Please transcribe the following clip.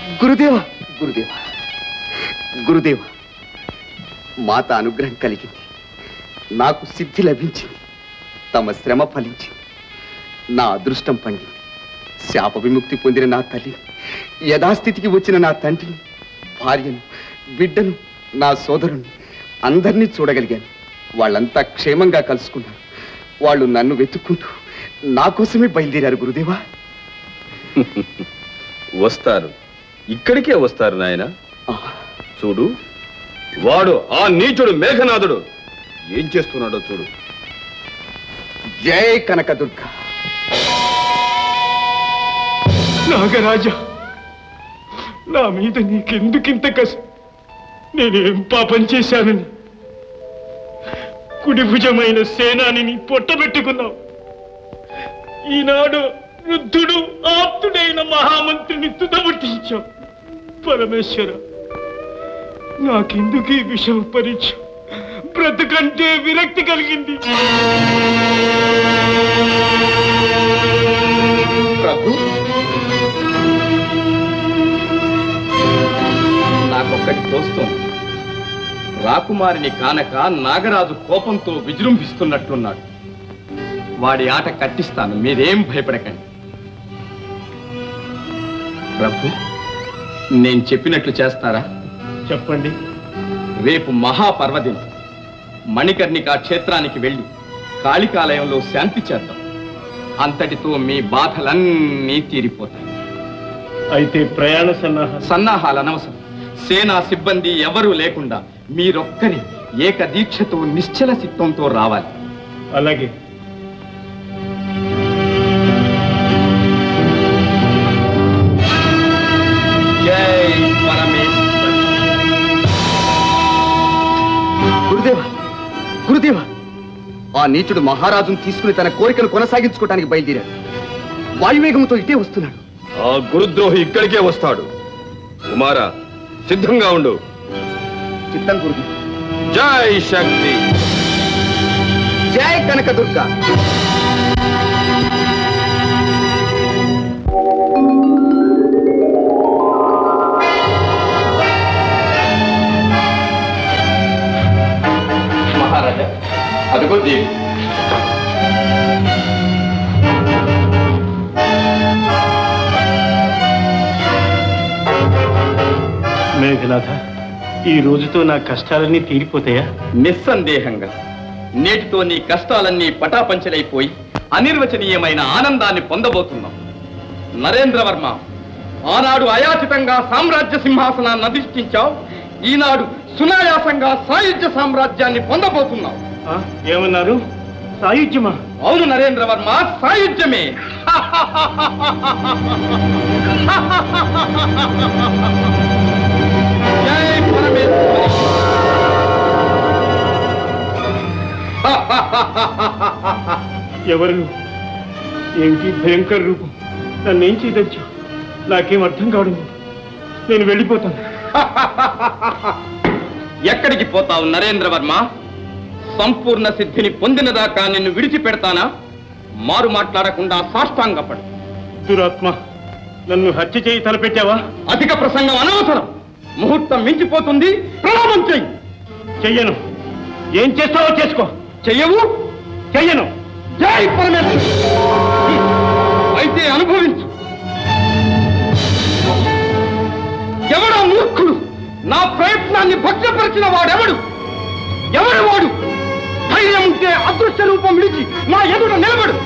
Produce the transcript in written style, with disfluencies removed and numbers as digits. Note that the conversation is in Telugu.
గురుదేవ గురుదేవ గురుదేవ, మాత అనుగ్రహం కలిగింది, నాకు సిద్ధి లభించింది, తమ శ్రమ ఫలించింది, నా అదృష్టం పండింది. శాప విముక్తి పొందిన నా తల్లి, యథాస్థితికి వచ్చిన నా తండ్రిని, భార్యను, బిడ్డను, నా సోదరుణ్ణి అందరినీ చూడగలిగాను. వాళ్ళంతా క్షేమంగా కలుసుకున్నారు. వాళ్ళు నన్ను వెతుక్కుంటూ నా కోసమే బయలుదేరారు గురుదేవా. వస్తారు, ఇక్కడికే వస్తారు నాయన. చూడు, వాడు ఆ నీచుడు మేఘనాథుడు ఏం చేస్తున్నాడో చూడు. జై కనకదుర్గ. నాగరాజా, నా మీద నీకెందుకింత కసి? నేనేం పాపం చేశానని కుడిభుజమైన సేనానిని పొట్టబెట్టుకున్నావు. ఈనాడు వృద్ధుడు ఆప్తుడైన మహామంత్రిని తుదముట్టించావు. పరమేశ్వర, నాకెందుకు ఈ విషమ పరీక్ష? బ్రతుకంటే విరక్తి కలిగింది. ప్రభు, నాకొక్కటి తోస్తోంది. రాకుమారిని కానక నాగరాజు కోపంతో విజృంభిస్తున్నట్లున్నాడు. వాడి ఆట కట్టిస్తాను, మీరేం భయపడకండి. ప్రభు, నేను చెప్పినట్లు చేస్తారా? చెప్పండి. రేపు మహాపర్వదినం. మణికర్ణికా క్షేత్రానికి వెళ్ళి కాళికాలయంలో శాంతి చేద్దాం. అంతటితో మీ బాధలన్నీ తీరిపోతాయి. అయితే ప్రయాణ సన్నాహాలు అనవసరం. సేనా సిబ్బంది ఎవరూ లేకుండా మీరొక్కరి ఏకదీక్షతో నిశ్చల చిత్తంతో రావాలి. అలాగే. జై పరమేశ్వర. గురుదేవ గురుదేవ, ఆ నీచుడు మహారాజును తీసుకుని తన కోరికను కొనసాగించుకోవడానికి బయలుదేరాడు. వాయువేగంతో ఇటే వస్తున్నాడు. ఆ గురుద్రోహి ఇక్కడికే వస్తాడు. కుమారా, సిద్ధంగా ఉండు. చిత్తం గురుదేవ. జై శక్తి. జై కనకదుర్గ. మహారాజా, అదిగో దేవి. మేఘనాథ, ఈ రోజుతో నా కష్టాలన్నీ తీరిపోతాయా? నిస్సందేహంగా. నేటితో నీ కష్టాలన్నీ పటాపంచలైపోయి అనిర్వచనీయమైన ఆనందాన్ని పొందబోతున్నాం. నరేంద్రవర్మ, ఆనాడు అయాచితంగా సామ్రాజ్య సింహాసనాన్ని అధిష్ఠించావు. ఈనాడు సునాయాసంగా సాయుధ్య సామ్రాజ్యాన్ని పొందబోతున్నావు. ఏమన్నారు? సాయుధ్యమా? అవును నరేంద్రవర్మ, సాయుధ్యమే. జై పరమేశ్వరి. ఎవరు? ఏమిటి భయంకర రూపం? నన్నేం చేయదచ్చు? నాకేం అర్థం కావడం. నేను వెళ్ళిపోతాను. ఎక్కడికి పోతావు నరేంద్రవర్మ? సంపూర్ణ సిద్ధిని పొందినదాకా నిన్ను విడిచిపెడతానా? మారు మాట్లాడకుండా సాష్టాంగపడు. దురాత్మ, నన్ను హత్య చేయి తలపెట్టావా? అధిక ప్రసంగం అనవసరం. ముహూర్తం మించిపోతుంది. ప్రణామం చెయ్యి. చెయ్యను. ఏం చేస్తావో చేసుకో. చెయ్యవు? చెయ్యను. జై పరమేశ్వరి. అయితే అనుభవించు. ఎవడో మూర్ఖుడు నా ప్రయత్నాన్ని భగ్నపరిచిన వాడెవడు? ఎవడు వాడు? ధైర్యం ఉంటే అదృశ్య రూపం విడిచి నా ఎదుట నిలబడు.